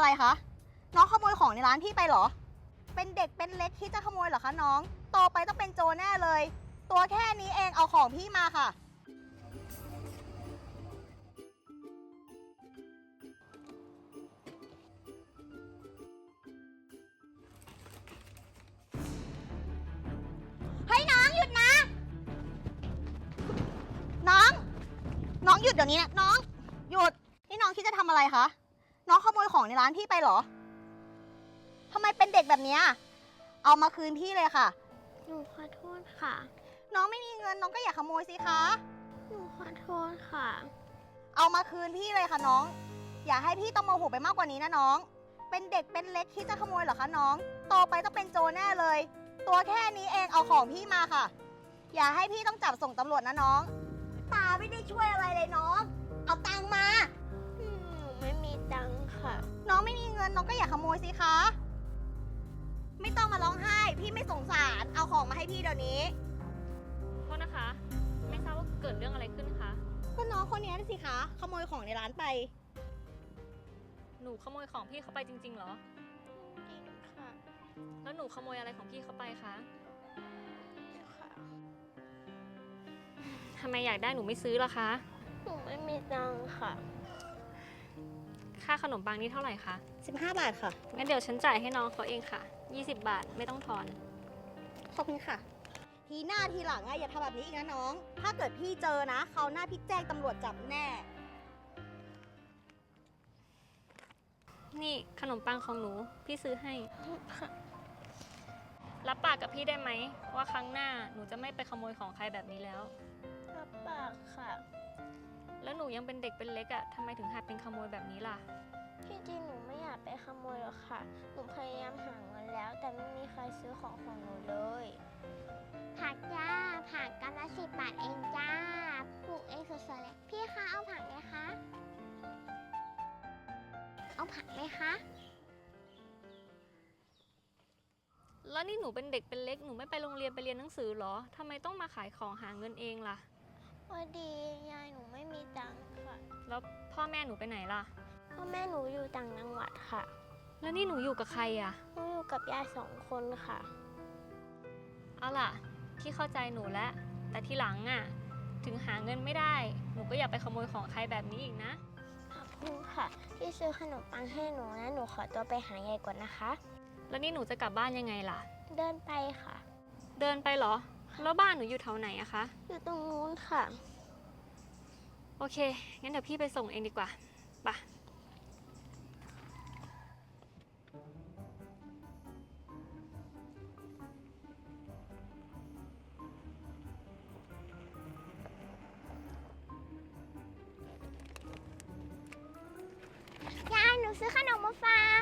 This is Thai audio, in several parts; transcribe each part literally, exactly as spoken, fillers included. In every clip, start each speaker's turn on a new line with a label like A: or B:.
A: อะไรคะ น้องขโมยของในร้านพี่ไปเหรอ เป็นเด็กเป็นเล็กที่จะขโมยเหรอคะน้อง โตไปต้องเป็นโจรแน่เลย ตัวแค่นี้เองเอาของพี่มาค่ะ เฮ้ยน้องหยุดนะ น้อง น้องหยุดเดี๋ยวนี้นะน้อง หยุด นี่น้องคิดจะทำอะไรคะ น้องขโมยของในร้านพี่ไปเหรอ ทำไมเป็นเด็กแบบนี้ เอามาคืนพี่เลยค่ะ
B: หนูขอโทษค่ะ
A: น้องไม่มีเงินน้องก็อย่าขโมยสิคะ
B: หนูขอโทษค่ะ
A: เอามาคืนพี่เลยค่ะน้อง อย่าให้พี่ต้องโมโหไปมากกว่านี้นะน้อง เป็นเด็กเป็นเล็กคิดจะขโมยเหรอคะน้อง โตไปต้องเป็นโจรแน่เลย ตัวแค่นี้เองเอาของพี่มาค่ะ อย่าให้พี่ต้องจับส่งตำรวจนะน้อง ตาไม่ได้ช่วยอะไรเลยน้อง เอาตังค์มา
B: หนูไม่มีตังค์ค่ะ
A: น้องไม่มีเงินน้องก็อย่าขโมยสิคะ ไม่ต้องมาร้องไห้ พี่ไม่สงสาร เอาของมาให้พี่เดี๋ยวนี้
C: โทษนะคะ ไม่ทราบว่าเกิดเรื่องอะไรขึ้นคะ
A: ก็น้องคนนี้สิคะ ขโมยของในร้านไป
C: หนูขโมยของพี่เขาไปจริงๆเหรอ
B: จริงค่ะ
C: แล้วหนูขโมยอะไรของพี่เขาไปคะ
B: ค่ะ
C: ทำไมอยากได้หนูไม่ซื้อล่ะคะ
B: หนูไม่มีตังค์ค่ะ
C: ค่าขนมปังนี่เท่าไหร่คะ
A: สิบห้าบาทค่ะ
C: งั้นเดี๋ยวฉันจ่ายให้น้องเขาเองค่ะ ยี่สิบบาทไม่ต้องทอน
A: ขอบคุณค่ะ ทีหน้าทีหลังอะอย่าทำแบบนี้อีกนะน้อง ถ้าเกิดพี่เจอนะเขาวหน้าพี่แจ้งตำรวจจับแน่
C: นี่ขนมปังของหนูพี่ซื้อให้
B: ค่ะ
C: รับปากกับพี่ได้ไหมว่าครั้งหน้าหนูจะไม่ไปขโมยของใครแบบนี้แล้ว
B: รับปากค่ะ
C: แล้วหนูยังเป็นเด็กเป็นเล็กอะ่ะทำไมถึงหัดเป็นขโมยแบบนี้ล่ะ
B: ที่จริงหนูไม่อยากไปขโมยหรอกค่ะ หนูพยายามหาเงินแล้ว แต่ไม่มีใครซื้อของของหนูเลย ผักจ้า ผักกำลังสิบบาทเองจ้า ปลูกเองสดๆเลย พี่คะเอาผักไหมคะ เอาผักไหมคะ
C: แล้วนี่หนูเป็นเด็กเป็นเล็กหนูไม่ไปโรงเรียนไปเรียนหนังสือเหรอทำไมต้องมาขายของหาเงินเองล่ะ
B: พอดียายหนูไม่มีตังค์ค่ะ
C: แล้วพ่อแม่หนูไปไหนล่ะ
B: พ่อแม่หนูอยู่ต่างจังหวัดค่ะ
C: แล้วนี่หนูอยู่กับใครอ่ะ
B: หนูอยู่กับยายสองคนค่ะ
C: เอาล่ะพี่เข้าใจหนูแล้วแต่ทีหลังอ่ะถึงหาเงินไม่ได้หนูก็อย่าไปขโมยของใครแบบนี้อีกนะ
B: ขอบคุณค่ะ ที่ซื้อขนมปังให้หนูนะ หนูขอตัวไปหายายก่อนนะคะ
C: แล้วนี่หนูจะกลับบ้านยังไงล่ะ
B: เดินไปค่ะ
C: เดินไปเหรอแล้วบ้านหนูอยู่แถวไหนอะคะ
B: อยู่ตรงนู้นค่ะ
C: โอเคงั้นเดี๋ยวพี่ไปส่งเองดีกว่าไปะ
B: ยายหนูซื้อขนมมาฝาก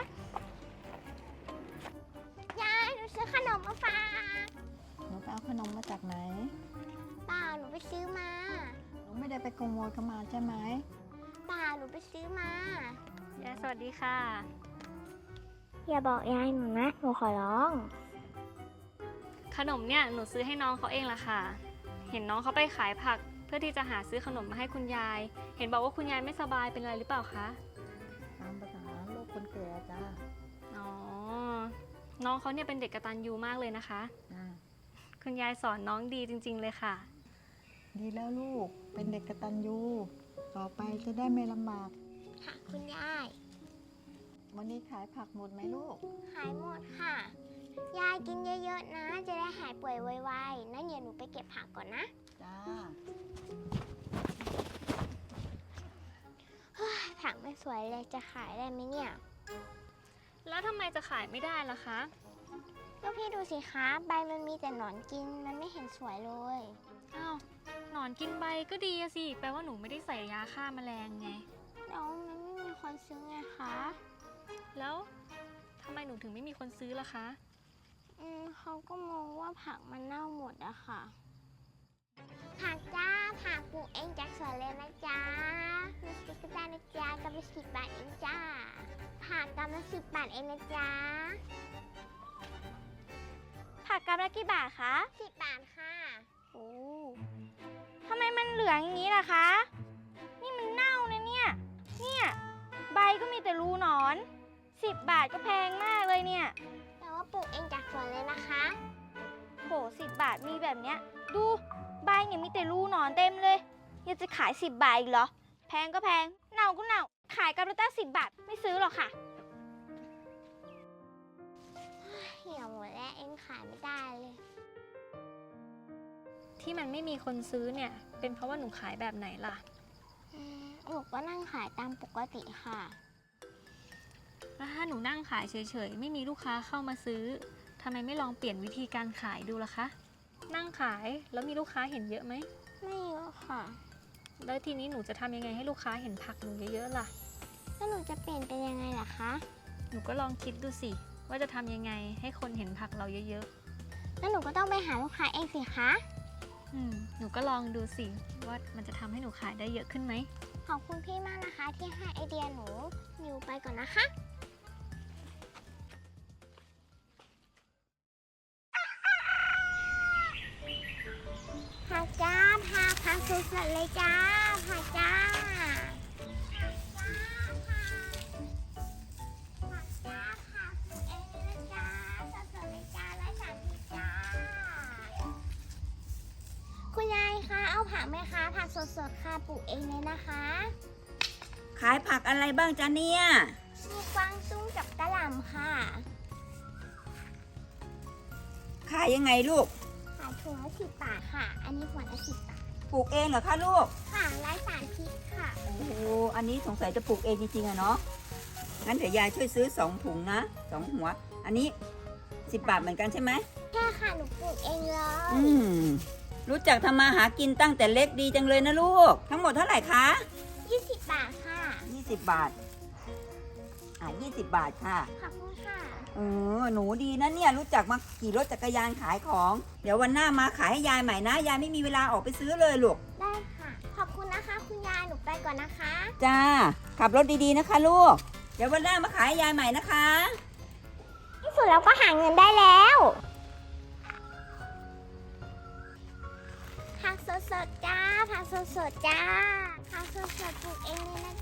B: ยายหนูซื้อขนมมาฝาก
D: หนูไปเอาขนมมาจากไหน
B: เปล่าหนูไปซื้อมา
D: หนูไม่ได้ไปขโมยเข้ามาใช่ไหม
B: เปล่าหนูไปซื้อมา
C: ยายสวัสดีค่ะ
B: อย่าบอกยายหนูนะ หนูขอร้อง
C: ขนมเนี่ยหนูซื้อให้น้องเขาเองล่ะค่ะ เห็นน้องเขาไปขายผักเพื่อที่จะหาซื้อขนมมาให้คุณยาย เห็นบอกว่าคุณยายไม่สบายเป็นอะไรหรือเปล่าคะ
D: ตามภาษาโลกคนแก่จ้า
C: อ๋อ น้องเขาเนี่ยเป็นเด็กกตัญญูมากเลยนะคะ
D: จ้า
C: คุณยายสอนน้องดีจริงๆเลยค่ะ
D: ดีแล้วลูก เป็นเด็กกตัญญูต่อไปจะได้ไม่ลำบาก
B: ค่ะคุณยาย
D: วันนี้ขายผักหมดไหมลูก
B: หายหมดค่ะ ยายกินเยอะๆนะ จะได้หายป่วยไวๆนั่นเดี๋ยวหนูไปเก็บผักก่อนนะ
D: จ้า
B: ผักไม่สวยเลยจะขายได้ไหมเนี่ย
C: แล้วทำไมจะขายไม่ได้ล่ะคะ
B: ก็พี่ดูสิคะ ใบมันมีแต่หนอนกิน มันไม่เห็นสวยเลย
C: อ้าวหนอนกินใบก็ดีอะสิ แปลว่าหนูไม่ได้ใส่ยาฆ่าแมลงไง
B: แล้วมันไม่มีคนซื้อไงคะ
C: แล้วทำไมหนูถึงไม่มีคนซื้อล่ะคะ
B: อืมเขาก็มองว่าผักมันเน่าหมดอะค่ะ ผักจ้า ผักปลูกเองจากสวนเลยนะจ๊ะมีสติ๊กเกอร์ได้นะจ๊ะกำลังสิบบาทเองจ้า ผักกำลังสิบบาทเองนะจ๊ะ
E: ผักกำลังกี่บาทคะ
B: สิบบาทค่ะ
E: โอ้ทำไมมันเหลืองอย่างนี้ล่ะคะ นี่มันเน่านะเนี่ย เนี่ย ใบก็มีแต่รูหนอนสิบบาทก็แพงมากเลยเนี่ย
B: แต่ว่าปลูกเองจากสวนเลยนะคะ
E: โหสิบบาทมีแบบเนี้ย ดูใบเนี่ยมีแต่รูหนอนเต็มเลยยังจะขายสิบบาทอีกเหรอ แพงก็แพง เน่าก็เน่า ขายกันละตั้งสิบบาทไม่ซื้อหรอกค่ะ
B: เหี่ยวหมดแล้วเองขายไม่ได้เลย
C: ที่มันไม่มีคนซื้อเนี่ย เป็นเพราะว่าหนูขายแบบไหนล่ะ
B: อืมหนูก็นั่งขายตามปกติค่ะ
C: แล้วถ้าหนูนั่งขายเฉยๆ ไม่มีลูกค้าเข้ามาซื้อ ทำไมไม่ลองเปลี่ยนวิธีการขายดูล่ะคะ นั่งขายแล้วมีลูกค้าเห็นเยอะไหม
B: ไม่เยอะค่ะ
C: แล้วทีนี้หนูจะทำยังไงให้ลูกค้าเห็นผักหนูเยอะๆล่ะ
B: แล้วหนูจะเปลี่ยนเป็นยังไงล่ะคะ
C: หนูก็ลองคิดดูสิ ว่าจะทำยังไงให้คนเห็นผักเราเยอะ
B: แล้วหนูก็ต้องไปหาลูกค้าเองสิคะ
C: ๆ อืม หนูก็ลองดูสิว่ามันจะทำให้หนูขายได้เยอะขึ้นไหม
B: ขอบคุณพี่มากนะคะที่ให้ไอเดียหนูนิวไปก่อนนะคะ ผักจ้าผักผักสดๆเลยจ้าผักจ้าผักจ้าผักปลูกเองเลยนะจ้าสดๆเลยจ้าร้อยสามสิบจ้าคุณยายคะเอาผักไหมคะผักสดๆค่ะปลูกเองเลยนะคะ
F: ขายผักอะไรบ้างจ๊ะเนี่ย
B: มีกวางตุ้งกับกะหล่ำค่ะ
F: ขายยังไงลูก
B: ขายถุงละสิบบาทค่ะ อันนี้หัวละสิบบาท
F: ปลูกเองเหรอคะลูก
B: ค่ะไร้สารพิษค่ะ
F: โอ้โห อันนี้สงสัยจะปลูกเองจริงๆอะเนาะ งั้นเดี๋ยวยายช่วยซื้อสองถุงนะสองหัว อันนี้สิบบาทเหมือนกันใช่ไหม
B: แค่ค่ะ หนูปลูกเองเลย
F: อืม รู้จักทำมาหากินตั้งแต่เล็กดีจังเลยนะลูก ทั้งหมดเท่าไหร่คะ
B: ยี่สิบบาทค่ะ
F: ยี่สิบบาท อ่ะยี่สิบบาทค่ะ
B: ขอบคุณค่ะ
F: เออ หนูดีนะเนี่ย รู้จักมาขี่รถจักรยานขายของ เดี๋ยววันหน้ามาขายให้ยายใหม่นะ ยายไม่มีเวลาออกไปซื้อเลยลูก
B: ได้ค่ะ ขอบคุณนะคะ คุณยาย หนูไปก่อนนะคะ
F: จ้า ขับรถดีๆนะคะลูก เดี๋ยววันหน้ามาขายให้ยายใหม่นะคะ
B: ที่สุดเราก็หาเงินได้แล้วผักสดๆจ้าผักสดๆจ้าผักสดๆปลูกเองเลยนะ